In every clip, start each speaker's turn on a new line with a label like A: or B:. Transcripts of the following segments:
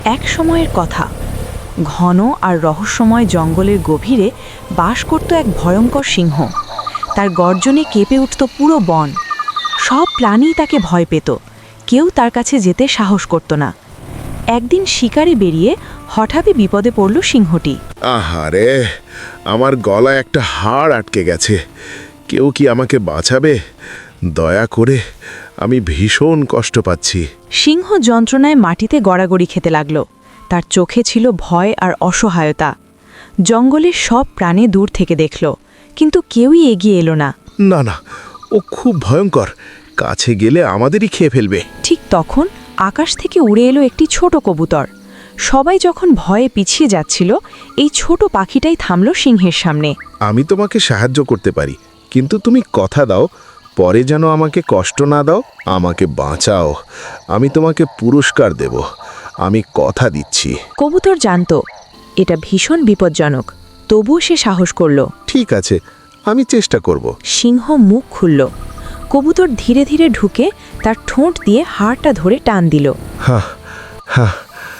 A: এক সময়ের কথা, ঘন আর রহস্যময় জঙ্গলের গভীরে বাস করত এক ভয়ঙ্কর সিংহ। তার গর্জনে কেঁপে উঠত পুরো বন। সব প্রাণী তাকে ভয় পেত, কেউ তার কাছে যেতে সাহস করত না। একদিন শিকারে বেরিয়ে হঠাৎই বিপদে পড়ল সিংহটি।
B: আহারে, আমার গলায় একটা হাড় আটকে গেছে। কেউ কি আমাকে বাঁচাবে? দয়া করে, আমি ভীষণ কষ্ট পাচ্ছি।
A: সিংহ যন্ত্রণায় মাটিতে গড়াগড়ি খেতে লাগল। তার চোখে ছিল ভয় আর অসহায়তা। জঙ্গলের সব প্রাণী দূর থেকে দেখল, কিন্তু কেউই এগিয়ে এলো না।
B: না না, ও খুব ভয়ঙ্কর, কাছে গেলে আমাদেরই খেয়ে ফেলবে।
A: ঠিক তখন আকাশ থেকে উড়ে এলো একটি ছোট কবুতর। সবাই যখন ভয়ে পিছিয়ে যাচ্ছিল, এই ছোট পাখিটাই থামল সিংহের সামনে।
B: আমি তোমাকে সাহায্য করতে পারি, কিন্তু তুমি কথা দাও, পরে যেন আমাকে কষ্ট না দাও। আমাকে বাঁচাও, আমি তোমাকে পুরস্কার দেব, আমি কথা দিচ্ছি।
A: কবুতর জানত এটা ভীষণ বিপজ্জনক, তবুও সে সাহস করল।
B: ঠিক আছে, আমি চেষ্টা করব।
A: সিংহ মুখ খুলল। কবুতর ধীরে ধীরে ঢুকে তার ঠোঁট দিয়ে হাড়টা ধরে টান দিল।
B: হ্যাঁ হ্যাঁ,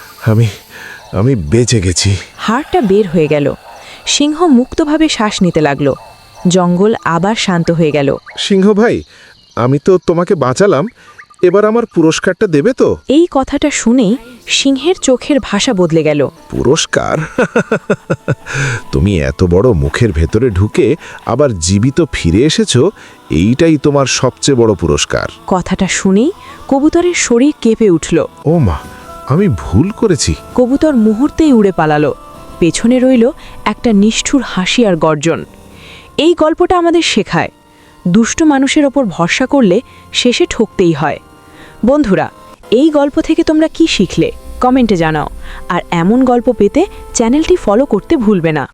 B: আমি বেঁচে গেছি।
A: হাড়টা বের হয়ে গেল। সিংহ মুক্তভাবে শ্বাস নিতে লাগল। জঙ্গল আবার শান্ত হয়ে গেল।
B: সিংহ ভাই, আমি তো তোমাকে বাঁচালাম, এবার আমার পুরস্কারটা দেবে তো?
A: এই কথাটা শুনেই সিংহের চোখের ভাষা বদলে গেল।
B: পুরস্কার? তুমি এত বড় মুখের ভেতরে ঢুকে আবার জীবিত ফিরে এসেছো, এইটাই তোমার সবচেয়ে বড় পুরস্কার।
A: কথাটা শুনেই কবুতরের শরীর কেঁপে উঠল।
B: ও মা, আমি ভুল করেছি।
A: কবুতর মুহূর্তেই উড়ে পালালো। পেছনে রইল একটা নিষ্ঠুর হাসি আর গর্জন। এই গল্পটা আমাদের শেখায়, দুষ্ট মানুষের ওপর ভরসা করলে শেষে ঠকতেই হয়। বন্ধুরা, এই গল্প থেকে তোমরা কি শিখলে কমেন্টে জানাও। আর এমন গল্প পেতে চ্যানেলটি ফলো করতে ভুলবে না।